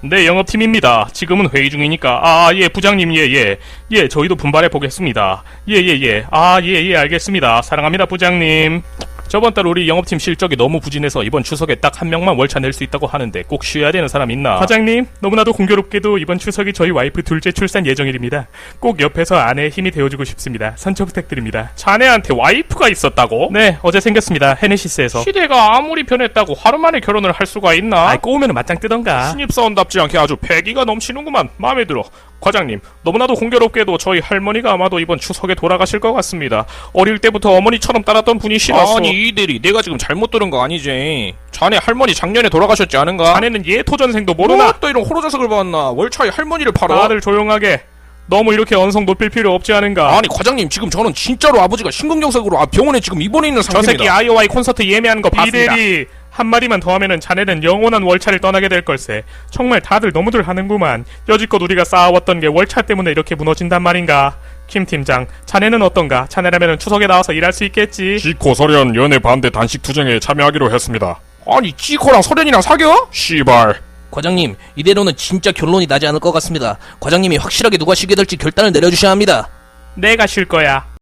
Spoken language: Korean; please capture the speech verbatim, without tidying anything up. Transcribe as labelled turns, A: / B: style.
A: 네, 영업팀입니다. 지금은 회의 중이니까. 아, 예, 부장님, 예, 예. 예, 저희도 분발해 보겠습니다. 예, 예, 예. 아, 예, 예, 알겠습니다. 사랑합니다, 부장님. 저번 달 우리 영업팀 실적이 너무 부진해서 이번 추석에 딱 한 명만 월차 낼 수 있다고 하는데 꼭 쉬어야 되는 사람 있나? 과장님, 너무나도 공교롭게도 이번 추석이 저희 와이프 둘째 출산 예정일입니다. 꼭 옆에서 아내의 힘이 되어주고 싶습니다. 선처 부탁드립니다. 자네한테 와이프가 있었다고? 네, 어제 생겼습니다. 헤네시스에서. 시대가 아무리 변했다고 하루 만에 결혼을 할 수가 있나? 아이, 꼬우면 맞짱 뜨던가. 신입사원답지 않게 아주 패기가 넘치는구만. 마음에 들어. 과장님, 너무나도 공교롭게도 저희 할머니가 아마도 이번 추석에 돌아가실 것 같습니다. 어릴 때부터 어머니처럼 따랐던 분이시라서.
B: 아니 이대리, 내가 지금 잘못 들은 거 아니지? 자네 할머니 작년에 돌아가셨지 않은가?
A: 자네는 예토전생도 모르나?
B: 뭐 또 이런 호로자석을 봤나? 월차에 할머니를 팔아?
A: 다들 조용하게. 너무 이렇게 언성 높일 필요 없지 않은가?
B: 아니 과장님, 지금 저는 진짜로 아버지가 심근경색으로 아, 병원에 지금 입원해 있는
A: 저
B: 상태입니다.
A: 새끼 아이오아이 콘서트 예매하는 거 봤습니다. 이대리, 한마디만 더 하면은 자네는 영원한 월차를 떠나게 될 걸세. 정말 다들 너무들 하는구만. 여지껏 우리가 쌓아왔던 게 월차 때문에 이렇게 무너진단 말인가? 김 팀장, 자네는 어떤가? 자네라면은 추석에 나와서 일할 수 있겠지?
C: 지코 설현 연애 반대 단식 투쟁에 참여하기로 했습니다.
B: 아니 지코랑 설현이랑 사겨?
C: 씨발.
D: 과장님, 이대로는 진짜 결론이 나지 않을 것 같습니다. 과장님이 확실하게 누가 쉬게 될지 결단을 내려주셔야 합니다.
A: 내가 쉴 거야.